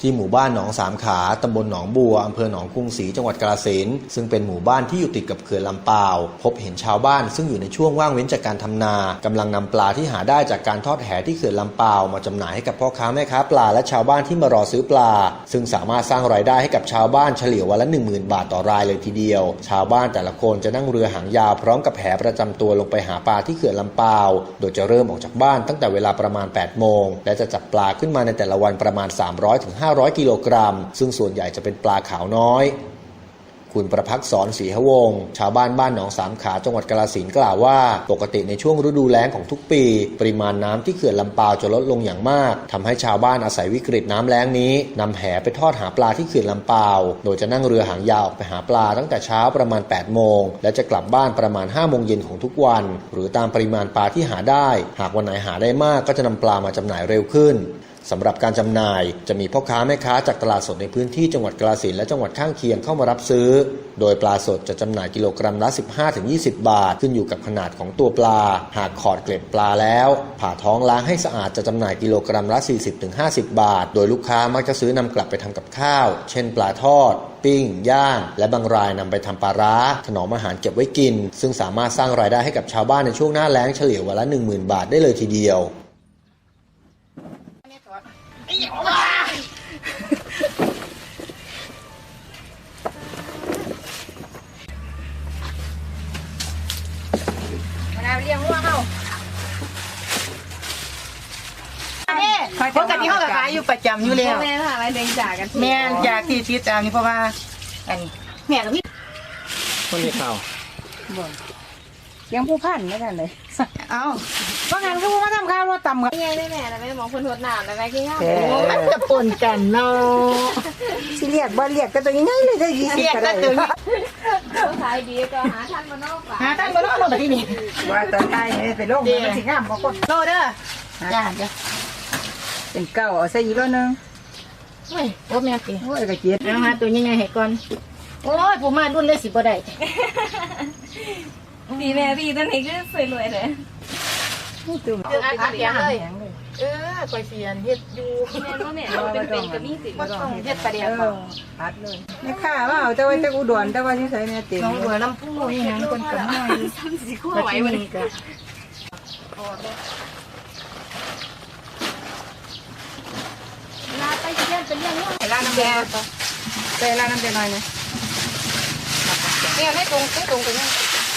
ที่หมู่บ้านหนองสามขาตำบลหนองบัวอำเภอหนองกรุงศรีจังหวัดกาฬสินธุ์ซึ่งเป็นหมู่บ้านที่อยู่ติดกับเขื่อนลำปาวพบเห็นชาวบ้านซึ่งอยู่ในช่วงว่างเว้นจากการทำนากำลังนำปลาที่หาได้จากการทอดแหที่เขื่อนลำปาวมาจำหน่ายให้กับพ่อค้าแม่ค้าปลาและชาวบ้านที่มารอซื้อปลาซึ่งสามารถสร้างรายได้ให้กับชาวบ้านเฉลี่ยวันละ 10,000 บาทต่อรายเลยทีเดียวชาวบ้านแต่ละคนจะนั่งเรือหางยาวพร้อมกับแหประจำตัวลงไปหาปลาที่เขื่อนลำปาวโดยจะเริ่มออกจากบ้านตั้งแต่เวลาประมาณ 8 โมงและจะจับปลาขึ้นมาในแต่ละวันประมาณ 300-500 กิโลกรัมซึ่งส่วนใหญ่จะเป็นปลาขาวน้อยคุณประภักษรศรีหวงศ์ชาวบ้านหนองสามขาจังหวัดกาฬสินธุ์กล่าวว่าปกติในช่วงฤดูแล้งของทุกปีปริมาณน้ำที่เขื่อนลำปาวจะลดลงอย่างมากทำให้ชาวบ้านอาศัยวิกฤตน้ำแล้งนี้นำแหไปทอดหาปลาที่เขื่อนลำปาวโดยจะนั่งเรือหางยาวออกไปหาปลาตั้งแต่เช้าประมาณ 8 โมงและจะกลับบ้านประมาณ 5 โมงเย็นของทุกวันหรือตามปริมาณปลาที่หาได้หากวันไหนหาได้มากก็จะนำปลามาจำหน่ายเร็วขึ้นสำหรับการจำหน่ายจะมีพ่อค้าแม่ค้าจากตลาดสดในพื้นที่จังหวัดกาฬสินธุ์และจังหวัดข้างเคียงเข้ามารับซื้อโดยปลาสดจะจำหน่ายกิโลกรัมละ 15-20 บาทขึ้นอยู่กับขนาดของตัวปลาหากขอดเกล็ดปลาแล้วผ่าท้องล้างให้สะอาดจะจำหน่ายกิโลกรัมละ 40-50 บาทโดยลูกค้ามักจะซื้อนำกลับไปทำกับข้าวเช่นปลาทอดปิ้งย่างและบางรายนำไปทำปลาร้าถนอมอาหารเก็บไว้กินซึ่งสามารถสร้างรายได้ให้กับชาวบ้านในช่วงหน้าแล้งเฉลี่ยวันละ 10,000 บาทได้เลยทีเดียวเลี้ยงวัวเขาปกติเขาขายอยู่ประจำอยู่แล้วแม่ค่ะอะไรเลี้ยงจากกันแม่จากที่ติดตามนี่เพราะว่าอันนี้แม่กับพี่คนนี้ข่าวเลี้ยงผู้พันไม่ได้เลยเอาเพราะงั้นก็มาทำข้าวรถต่ำกันยังไงแม่แล้วแม่มองคนทดน้ำแล้วแม่กินข้าวมันจะปนกันเนาะสิเรียกบ่เรียกก็ตัวยังไงเลยจะ20ก็ได้ขายดีก็หาท่านมานอกป่าหาท่านมานอกแบบนี้ว่าตอนไทยไปลงมันสิงามบ่คนโลเด้อจ้าเป็นเก่าเอาใส่อีกแล้วนึงโอ้ยโอ้แม่ติโอ้ยกระเจี๊ยบเอาหาตัวยังไงให้ก่อนโอ้ยผมมารุ่นเลยสิบ่ได้พี่แม่พี่ตอนนี้ก็สวยรวยเลยตัวอัดเสียงเลยคอยเสียนเฮ็ดอยู่แม่ว่าแม่เป็นกับนี่สิบ่ต้องเฮ็ดประเดี๋ยวอัดเลยแม่ข้าว่าเอาแต่ว่าจะอุดรแต่ว่าที่ใส่แม่เต็มน้องบัวลำพูนี่หยังคนก็มาซ้ำสิคู่ไหววันนี้ก็ลาไปเลี้ยงเป็นเลี้ยงว่าลาน้ำแดงไปลาน้ำแดงหน่อยนะเนี่ยไม่ตรงไปเนี่ย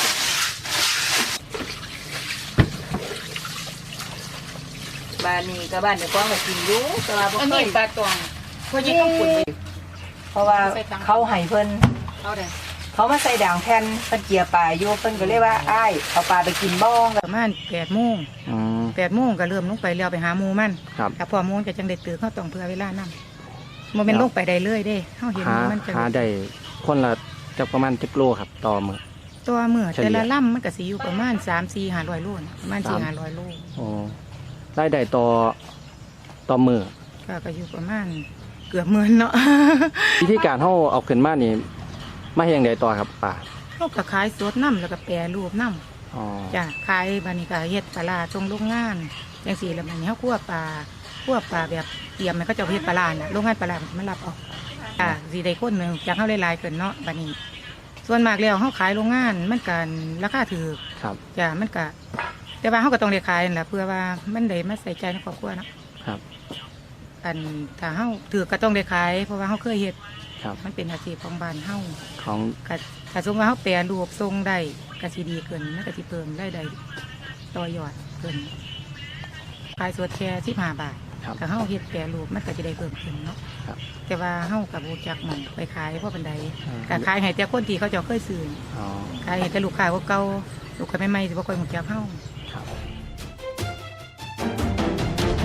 บ้านนี้กับบ้านเดี๋ยวก็มากินอยู่แต่ว่าบ่เคยปลาตองเพราะยิ่งต้องขุดไปเพราะว่าเขาให้เพิ่นเขามาใส่ด่างแผ่นเพิ่นเกี่ยปลาอยู่เพิ่นก็เรียกว่าอ้ายเอาปลาไปกินบ้องประมาณ8 โมง8 โมงก็เริ่มลงไปแล้วไปหาหมูมันถ้าพอโมงจะจังได้ตื่นเขาต้องเพื่อเวลานั่งมันเป็นลงไปได้เลยเด้เขาเห็นมันจะหาได้คนละจะประมาณ10 โลครับต่อมื้อแต่ละล่ำมันก็สิอยู่ประมาณ3-4-500 โลประมาณ4-500 โลได้ต่อมือก็อยู่ประมาณเกือบ10,000เนาะวิธีการเอาขึ้นมานี่มาเฮ็ดจังได๋ต่อครับป้าเขาก็ขายสดน้ำแล้วก็แปรรูปน้ำจ้ะขายบัดนี้ก็เฮ็ดปลาตรงโรงงานจังซี่แล้วบัดนี้เฮาคั่วปลาแบบเตรียมให้เขาเจ้าเฮ็ดปลาน่ะโรงงานปลามันรับเอาสิได้คนนึงจากเฮาหลายๆขึ้นเนาะบัดนี้ส่วนมากแล้วเฮาขายโรงงานมันก็ราคาถูกจ้ะมันก็แต่ว่าเขาก็ต้องได้ขายนั่นแหละเพื่อว่ามันได้มาใส่ใจในครอบครัวนะครับอันถ้าเขาถือก็ต้องได้ขายเพราะว่าเขาเคยเฮ็ดมันเป็นอาชีพของบ้านเขาของถ้าสมมติว่าเขาแปรรูปทรงได้กระสีดีเกินมันกระสีเพิ่มได้ต่อยอดเกินขายสดแค่15 บาทถ้าเขาเฮ็ดแปรรูปมันก็จะได้เพิ่มขึ้นเนาะแต่ว่าเขากับบูจักมันไปขายเพราะบันไดก็ขายให้แต่คนที่เขาจะเคยซื้อขายให้แต่ลูกค้าเก่าลูกค้าใหม่ๆสิบ่ค่อยรู้จักเขา